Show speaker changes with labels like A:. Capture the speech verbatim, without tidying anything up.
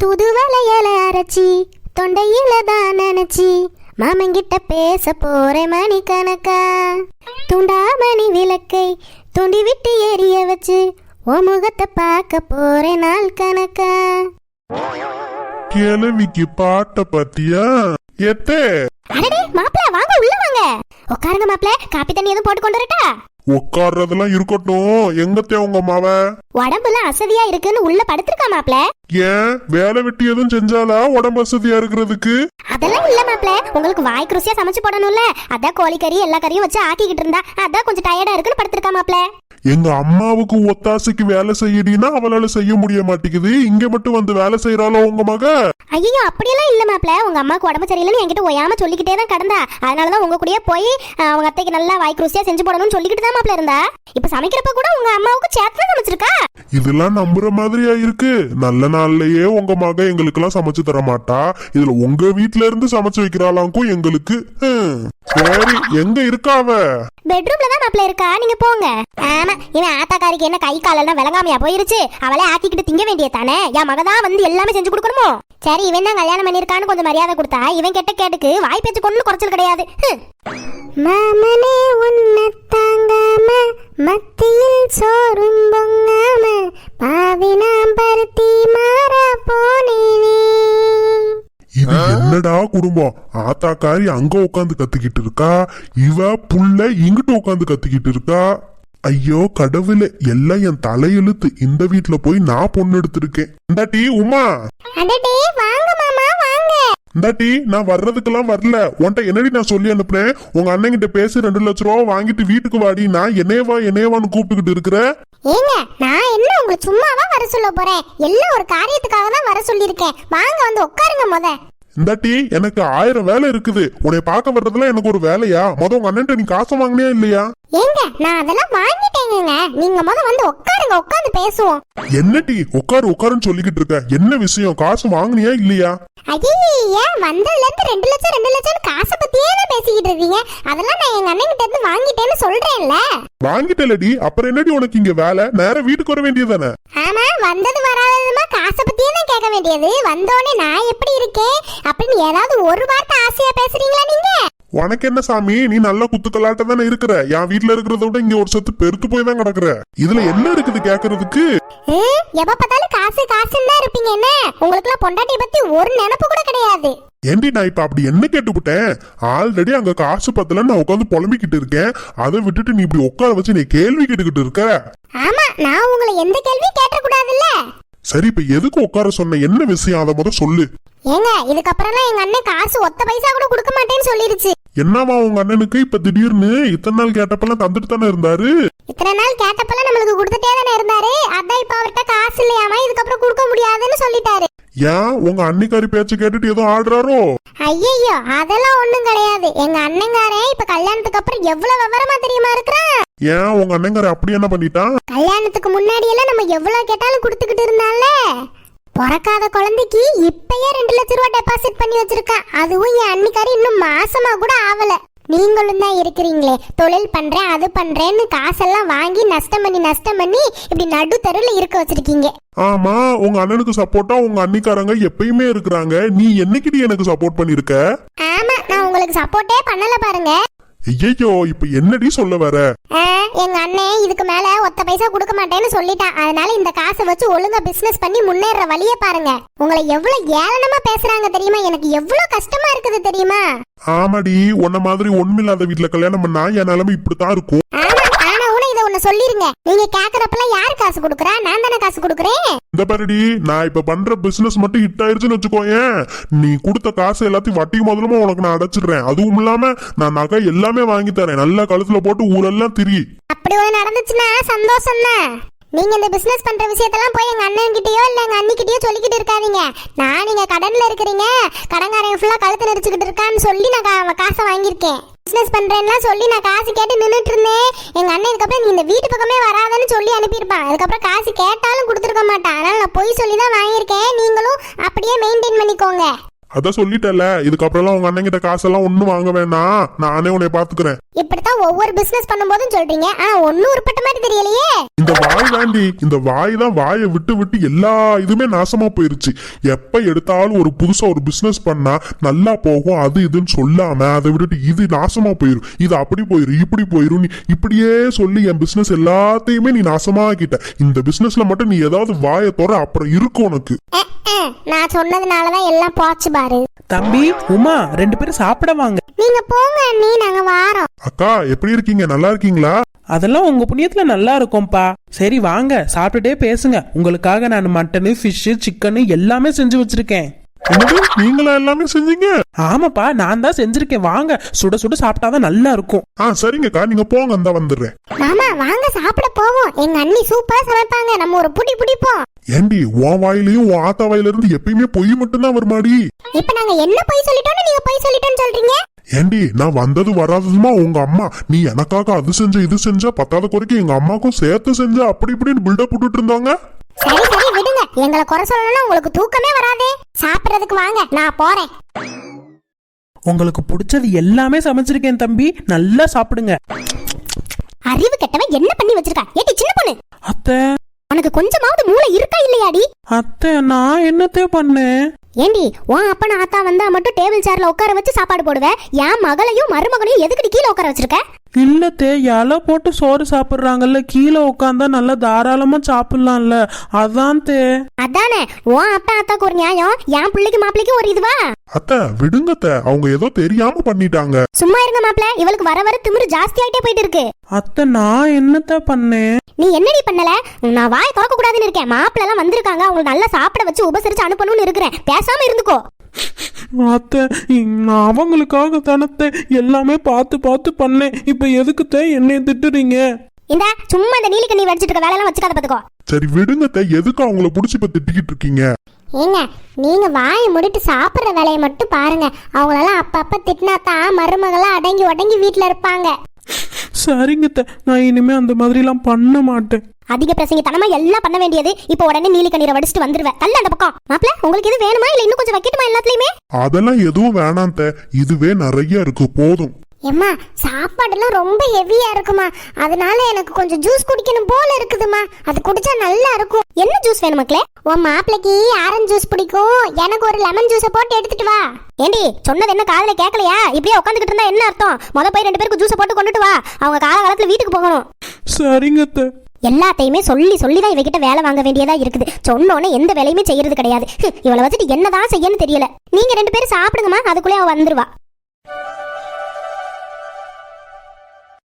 A: தூதுவளையல அரைச்சி தொண்டையில தான் நினைச்சி மாமங்கிட்ட பேச போறேன் மணி கணக்கா. துண்டாமணி விளக்கை தூண்டி விட்டு எரிய வச்சு ஓ முகத்தை பார்க்க போறேன் நாள் கணக்கா.
B: கிழவிக்கு பாட்ட பத்தியா எத்தே?
A: அடடே மாப்ள வாங்க உள்ள வாங்க உட்காருங்க மாப்ள. காப்பி தண்ணி எதுவும் போட்டு கொண்டு வரட்டா?
B: உட்கார்றதெல்லாம் இருக்கட்டும். எங்கத்தே உங்க மாவ?
A: உடம்புல அசதியா இருக்குன்னு உள்ள படுத்திருக்கா மாப்ள.
B: ஏன் வேலை வெட்டி எதுவும் செஞ்சாலா உடம்பு வசதியா இருக்கிறதுக்கு?
A: அதெல்லாம் இல்ல மாப்ள, உங்களுக்கு வாய்க்கு ருசியா சமைச்சு போடணும்ல, அதான் கோழிக்கறி எல்லா கறியும் வச்சு ஆக்கிக்கிட்டு இருந்தா அதான் கொஞ்சம் டயர்டா இருக்குன்னு படுத்திருக்கா மாப்ள.
B: எங்க அம்மாவுக்கு ஒத்தாசைக்கு வேலை செய்யடினா அவளால செய்ய முடிய மாட்டேங்குது. இங்க மட்டும் வந்து வேலை செய்யறாளோ உங்க மக?
A: ஐயோ அப்படியெல்லாம் இல்ல மாப்ள, உங்க அம்மாவுக்கு உடம்பு சரியில்லைன்னு என்கிட்ட ஒயாம சொல்லிக்கிட்டே தான் கடந்தா. அதனாலதான் உங்க கூடயே போய் அவங்க அத்தைக்கு நல்லா வாய்க்கு ருசியா செஞ்சு போடணும்னு சொல்லிக்கிட்டு தான் மாப்ள இருந்தா. இப்ப சமைக்கிறப்ப கூட உங்க அம்மாவுக்கு சேர்த்து சமைச்சிருக்கா.
B: இதெல்லாம் நம்புற மாதிரியா இருக்கு? நல்ல நாள்லயே உங்க மக எங்களுக்கு எல்லாம் சமைச்சு தர மாட்டா, இதுல உங்க வீட்டுல இருந்து சமைச்சு வைக்கிறாளாக்கும் எங்களுக்கு. சரி எங்க இருக்கா அவ?
A: பெட்ரூம்ல தான் மாப்ள இருக்கா, நீங்க போங்க. ஆமா இவன் ஆத்தாக்காரிக்கு என்ன கை காலெல்லாம் விளங்காமையா போயிருச்சு? அவளே ஆக்கிக்கிட்டு திங்க வேண்டியதானே, என் மகதான் வந்து எல்லாமே செஞ்சு கொடுக்கணுமோ? சரி இவன் தான் கல்யாணம் பண்ணிருக்கான்னு கொஞ்சம் மரியாதை கொடுத்தா இவன் கெட்ட கேட்டுக்கு வாய் பேச்சு கொண்டு குறைச்சல் கிடையாது. மாமனே உன்னை தாங்காம மத்தியில் சோறும் பொங்காம பாவினாம் பருத்தி மாறா போனேனே.
B: இது என்னடா குடும்பம்? ஆத்தாக்காரி அங்க உட்காந்து கத்திக்கிட்டு இருக்கா, இவ புள்ள இங்கிட்டு உட்காந்து கத்திக்கிட்டு இருக்கா. ஐயோ கடவுளே, எல்லாம் என் தலையெழுத்து. இந்த வீட்டுல போய் நான் பொண்ணு எடுத்திருக்கேன். இந்தாட்டி உமா.
A: அடடே வாங்க மாமா வாங்க.
B: இந்தாட்டி நான் வர்றதுக்கெல்லாம் வரல. உன்ட்ட என்னடி நான் சொல்லி அனுப்புறேன்? உங்க அண்ணன் கிட்ட பேசி ரெண்டு லட்சம் ரூபா வாங்கிட்டு வீட்டுக்கு வாடி. நான் என்னேவா என்னேவான்னு கூப்பிட்டுக்கிட்டு இருக்கிற.
A: ஏங்க நான் என்ன உங்களை சும்மாவா வர சொல்ல போறேன்? எல்லாம் ஒரு காரியத்துக்காக தான் வர சொல்லியிருக்கேன். வாங்க வந்து உட்காருங்க முத.
B: இந்தாட்டி எனக்கு ஆயிரம் வேலை இருக்குது. உன்னை பார்க்க வர்றதுல எனக்கு ஒரு வேலையா? முத உங்க அண்ணன் நீ காசு வாங்கினியா இல்லையா?
A: ஏங்க நான் அதெல்லாம் வாங்கிட்டேங்க, நீங்க முத வந்து உட்காருங்க, உட்கார்ந்து பேசுவோம்.
B: என்னடி உட்காரு உட்காருன்னு சொல்லிக்கிட்டு இருக்க? என்ன விஷயம்? காசு வாங்கினியா இல்லையா?
A: ஐயா வந்ததுல இருந்து ரெண்டு லட்சம் ரெண்டு லட்சம் காசை பத்தியே தான் பேசிக்கிட்டு இருக்கீங்க. அதெல்லாம் நான் எங்க அண்ணன் கிட்ட இருந்து வாங்கிட்டேன்னு சொல்றேன்ல.
B: வாங்கிட்டலடி, அப்புறம் என்னடி உனக்கு இங்க வேலை? நேரம் வீட்டுக்கு வர வேண்டியதானே?
A: ஆமா வந்தது வராததுமா காசை பத்தியே தான் கேட்க வேண்டியது. வந்தோடனே நான் எப்படி இருக்கேன் அப்படின்னு ஏதாவது ஒரு வார்த்தை ஆசையா பேசுறீங்களா நீங்க?
B: உனக்கு என்ன சாமி, நீ நல்ல குத்துக்கலாட்ட தானே இருக்கிற. என் வீட்டுல இருக்கிறத விட இங்க ஒரு சத்து பெருத்து போய் தான் கிடக்குற. இதுல என்ன இருக்குது கேக்குறதுக்கு?
A: எப்ப பார்த்தாலும் காசு காசுன்னு தான் இருப்பீங்க. என்ன உங்களுக்கு எல்லாம் பொண்டாட்டியை பத்தி ஒரு நினைப்பு கூட கிடையாது.
B: ஏண்டி நான் இப்ப அப்படி என்ன கேட்டுவிட்டேன்? ஆல்ரெடி அங்க காசு பத்தல நான் உட்காந்து புலம்பிக்கிட்டு இருக்கேன். அதை விட்டுட்டு நீ இப்படி உட்கார வச்சு நீ கேள்வி கேட்டுக்கிட்டு இருக்க.
A: ஆமா நான் உங்களை எந்த கேள்வியும் கேட்ட கூடாதுல்ல.
B: சரி இப்ப எதுக்கு உட்கார சொன்ன? என்ன விஷயம் அதை முத சொல்லு.
A: ஏங்க இதுக்கப்புறம்லாம் எங்க அண்ணன் காசு ஒத்த பைசா கூட கொடுக்க மாட்டேன்னு சொல்லிருச்சு.
B: என்னவா உங்க அண்ணனுக்கு இப்ப திடீர்னு? இத்தனை நாள் கேட்டப்பெல்லாம் தந்துட்டு தானே இருந்தாரு.
A: இத்தனை நாள் கேட்டப்பெல்லாம் நம்மளுக்கு கொடுத்துட்டே தானே இருந்தாரு. அதான் இப்ப அவர்கிட்ட காசு இல்லையாமா, இதுக்கப்புறம் கொடுக்க முடியாதுன்னு சொல்லிட்டாரு.
B: ஏன் உங்க அன்னிக்காரி பேச்சு கேட்டுட்டு ஏதோ ஆடுறாரோ?
A: ஐயோ அதெல்லாம் ஒண்ணும் கிடையாது. எங்க அண்ணங்காரே இப்ப கல்யாணத்துக்கு அப்புறம் எவ்வளவு விவரமா தெரியுமா இருக்கிறான்.
B: ஏன் உங்க அண்ணங்கார அப்படி என்ன பண்ணிட்டான்?
A: கல்யாணத்துக்கு முன்னாடி எல்லாம் நம்ம எவ்வளவு கேட்டாலும் கொடுத்துக்கிட்டு இருந்தால, பிறக்காத குழந்தைக்கு இப்பயே ரெண்டு லட்சம் ரூபாய் டெபாசிட் பண்ணி வச்சிருக்கான். அதுவும் என் அன்னிக்காரி இன்னும் மாசமா கூட ஆவல. நீங்களும் தான் இருக்கிறீங்களே, தொழில் பண்றேன் அது பண்றேன்னு காசெல்லாம் வாங்கி நஷ்டம் பண்ணி நஷ்டம் பண்ணி இப்படி நடு தெருவில் இருக்க வச்சிருக்கீங்க.
B: ஆமா உங்க அண்ணனுக்கு சப்போர்ட்டா உங்க அன்னிக்காரங்க எப்பயுமே இருக்கிறாங்க. நீ என்னைக்கிட்ட எனக்கு சப்போர்ட் பண்ணிருக்க?
A: ஆமா நான் உங்களுக்கு சப்போர்ட்டே பண்ணல பாருங்க.
B: ஐயோ இப்ப என்னடி சொல்ல வர?
A: எங்க அண்ணன் இதுக்கு மேல ஒத்த பைசா கொடுக்க மாட்டேன்னு சொல்லிட்டான். அதனால இந்த காசை வச்சு ஒழுங்கா பிசினஸ் பண்ணி முன்னேற வழிய பாருங்க. உங்களை எவ்வளவு ஏளனமா பேசுறாங்க தெரியுமா? எனக்கு எவ்வளவு கஷ்டமா இருக்குது தெரியுமா?
B: ஆமாடி, உன்ன மாதிரி ஒண்ணுமில்லாத வீட்டுல கல்யாணம் பண்ணா என் நிலைமை இப்படித்தான் இருக்கும்.
A: சொல்லிருங்க, நீங்க கேக்குறப்பெல்லாம் யாரு காசு கொடுக்கறா? நான் தானே காசு கொடுக்கறேன்.
B: இந்த பாருடி, நான் இப்ப பண்ற பிசினஸ் மட்டும் ஹிட் ஆயிருச்சுன்னு வச்சுக்கோயேன், நீ கொடுத்த காசு எல்லாத்தையும் வட்டி முதலமா உனக்கு நான் அடைச்சிடுறேன். அதுவும் இல்லாம நான் நகை எல்லாமே வாங்கி தரேன். நல்லா கழுத்துல போட்டு ஊரெல்லாம் திரி.
A: அப்படி ஒண்ணு நடந்துச்சுன்னா சந்தோஷம் தான். நீங்க இந்த பிசினஸ் பண்ற விஷயத்தெல்லாம் போய் எங்க அண்ணன் கிட்டயோ இல்ல எங்க அண்ணி கிட்டயோ சொல்லிக்கிட்டு இருக்காதீங்க. நான் நீங்க கடன்ல இருக்கிறீங்க, கடன்காரன் ஃபுல்லா கழுத்து நெரிச்சுக்கிட்டு இருக்கான்னு சொல்லி நான் காசை வாங்கியிருக்கேன். பிசினஸ் பண்றேன்னா சொல்லி நான் காசு கேட்டு நின்றுட்டு இருந்தேன். எங்க அண்ணன் இதுக்கப்புறம் நீ இந்த வீட்டு பக்கமே வராதன்னு சொல்லி அனுப்பியிருப்பான். அதுக்கப்புறம் காசு கேட்டாலும் கொடுத்துருக்க மாட்டான். அதனால நான் பொய் சொல்லி தான் வாங்கியிருக்கேன். நீங்களும் அப்படியே மெயின்டைன் பண்ணிக்கோங்க.
B: அதான் சொல்லிட்டல, இதுக்கப்புறம் உங்க அண்ணன் கிட்ட காசெல்லாம் ஒண்ணும் வாங்க வேணாம், நானே உன்னை பாத்துக்கிறேன்.
A: இப்படித்தான் ஒவ்வொரு பிசினஸ் பண்ணும்போதும் சொல்றீங்க, ஆனா ஒன்னும் உருப்பட்ட மாதிரி தெரியலையே.
B: இந்த வாய் தாண்டி, இந்த வாய் தான் வாயை விட்டு விட்டு எல்லா இதுமே நாசமா போயிருச்சு. எப்ப எடுத்தாலும் ஒரு புதுசா ஒரு பிசினஸ் பண்ணா நல்லா போகும் அது இதுன்னு சொல்லாம அதை விட்டுட்டு இது நாசமா போயிரும், இது அப்படி போயிரும் இப்படி போயிரும், நீ இப்படியே சொல்லி என் பிசினஸ் எல்லாத்தையுமே நீ நாசமாக்கிட்ட. இந்த பிசினஸ்ல மட்டும் நீ ஏதாவது வாயை தோற அப்புறம் இருக்கும் உனக்கு.
A: நான் சொன்னதுனாலதான் எல்லாம் போச்சு பாரு.
C: தம்பி உமா, ரெண்டு பேரும் சாப்பிட வாங்க.
A: நீங்க போங்க அண்ணி, நாங்க வாரோம்.
B: அக்கா எப்படி இருக்கீங்க, நல்லா இருக்கீங்களா?
C: அதெல்லாம் உங்க புண்ணியத்துல நல்லா இருக்கும்பா. சரி வாங்க சாப்பிட்டுட்டே பேசுங்க. உங்களுக்காக நான் மட்டனு ஃபிஷ் சிக்கனு எல்லாமே செஞ்சு வச்சிருக்கேன்.
B: என்னது, நீங்களா எல்லாமே செஞ்சீங்க?
C: ஆமாப்பா, நான் தான் செஞ்சிருக்கேன். வாங்க, சுட சுட சாப்பிட்டாதான் நல்லா இருக்கும்.
B: ஆ சரிங்கக்கா, நீங்க போங்க, அந்த வந்துடுறேன்.
A: மாமா வாங்க சாப்பிட போவோம். எங்க அண்ணி சூப்பரா சமைப்பாங்க, நம்ம ஒரு புடி புடிப்போம்.
B: ஏண்டி உன் வாயிலையும் உன் ஆத்தா வாயில இருந்து எப்பயுமே பொய் மட்டும்தான் வருமாடி.
A: இப்ப நாங்க என்ன பொய் சொல்லிட்டோம்னு நீங்க பொய் சொல்லிட்டோம்னு சொல்றீங்க?
B: ஏண்டி நான் வந்தது வராததுமா உங்க அம்மா, நீ எனக்காக அது செஞ்ச இது செஞ்ச பத்தாத குறைக்கு எங்க அம்மாக்கும் சேர்த்து செஞ்ச அப்படி இப்படின்னு பில்டப் போட்டுட்டு இருந்தாங்க.
A: சரி சரி விடுங்க, எங்களை குறை சொல்லணும்னா உங்களுக்கு தூக்கமே வராதே. சாப்பிடுறதுக்கு வாங்க, நான் போறேன்.
C: உங்களுக்கு பிடிச்சது எல்லாமே சமைச்சிருக்கேன் தம்பி, நல்லா சாப்பிடுங்க.
A: அறிவு கெட்டவன் என்ன பண்ணி வச்சிருக்கா? ஏடி சின்ன பொண்ணு,
C: அத்தை
A: உனக்கு கொஞ்சமாவது மூளை இருக்கா இல்லையாடி?
C: அத்தை நான் என்னத்தே பண்ணேன்?
A: ஏண்டி உன் அப்பன ஆத்தா வந்தா மட்டும் டேபிள் சேர்ல உட்கார வச்சு சாப்பாடு போடுவேன், என் மகளையும் மருமகனையும் எதுக்கடி கீழே உட்கார வச்சிருக்க?
C: இல்லத்தே, இலை போட்டு சோறு சாப்பிடுறாங்கல்ல, கீழே உட்காந்தா நல்லா தாராளமா சாப்பிடலாம்ல, அதான் தே.
A: அதானே உன் அப்பா ஆத்தாக்கு ஒரு நியாயம், என் பிள்ளைக்கு மாப்பிள்ளைக்கு ஒரு இதுவா?
B: அத்தை விடுங்கத்த, அவங்க ஏதோ தெரியாம பண்ணிட்டாங்க.
A: சும்மா இருங்க மாப்பிள்ள, இவளுக்கு வர வர திமிரு ஜாஸ்தி ஆயிட்டே போயிட்டு இருக்கு.
C: அத்தை நான் என்னத்த பண்ணேன்?
A: நீ என்னடி பண்ணல? நான் வாயை திறக்க கூடாதுன்னு இருக்கேன். மாப்பிள்ள எல்லாம் வந்திருக்காங்க, அவங்க நல்லா சாப்பிட வச்சு உபசரிச்சு அனுப்பணும்னு இருக்கிறேன். பேசாம இருந்துக்கோ.
C: அத்தை நான் அவங்களுக்காக தானத்தை எல்லாமே பார்த்து பார்த்து பண்ணேன், இப்ப எதுக்குத்தே என்னைய திட்டுறீங்க?
A: இந்த சும்மா இந்த நீலி கண்ணி வடிச்சிட்டு இருக்க வேலையெல்லாம் வச்சுக்காத பாத்துக்கோ.
B: சரி விடுங்கத்த, எதுக்கு அவங்கள புடிச்சு இப்ப திட்டிக்கிட்டு இருக்கீங்க?
A: ஏங்க நீங்க வாயை முடிட்டு சாப்பிடுற வேலையை மட்டும் பாருங்க. அவங்களெல்லாம் அப்பப்ப திட்டினா தான் மருமகளா அடங்கி உடங்கி வீட்டுல இருப்பாங்க.
C: சரிங்கத்த, நான் இனிமே அந்த மாதிரி எல்லாம் பண்ண மாட்டேன்.
A: அதிக பிரசங்க தனமா எல்லாம் பண்ண வேண்டியது. இப்ப உடனே நீலி கண்ணீரை வடிச்சிட்டு வந்துருவேன். தள்ள அந்த பக்கம். மாப்பிள்ள உங்களுக்கு எது வேணுமா இல்ல இன்னும் கொஞ்சம் வைக்கட்டுமா எல்லாத்துலயுமே?
B: அதெல்லாம் எதுவும் வேணாம் தே, இதுவே நிறைய இருக்கு, போதும்.
A: எம்மா சாப்பாடுலாம் ரொம்ப ஹெவியா இருக்குமா, அதனால எனக்கு கொஞ்சம் ஜூஸ் குடிக்கணும் போல இருக்குதுமா. அது குடிச்சா நல்லா இருக்கும். என்ன ஜூஸ் வேணும் மக்களே? உன் மாப்பிளைக்கு ஆரஞ்சு ஜூஸ் பிடிக்கும், எனக்கு ஒரு லெமன் ஜூஸை போட்டு எடுத்துட்டு வா. ஏண்டி சொன்னது என்ன காதுல கேட்கலையா? இப்படியே உட்காந்துக்கிட்டு இருந்தா என்ன அர்த்தம்? முத போய் ரெண்டு பேருக்கு ஜூஸை போட்டு கொண்டுட்டு வா, அவங்க காலகாலத்துல வீட்டுக்கு போகணும்.
C: சரிங்கத்த.
A: எல்லாத்தையுமே சொல்லி சொல்லிதான் இவகிட்ட வேலை வாங்க வேண்டியதா இருக்குது. சொன்னோன்னே எந்த வேலையுமே செய்யறது கிடையாது. இவளை வச்சுட்டு என்னதான் செய்யன்னு தெரியல. நீங்க ரெண்டு பேரும் சாப்பிடுங்கம்மா, அதுக்குள்ளே அவ வந்துருவா.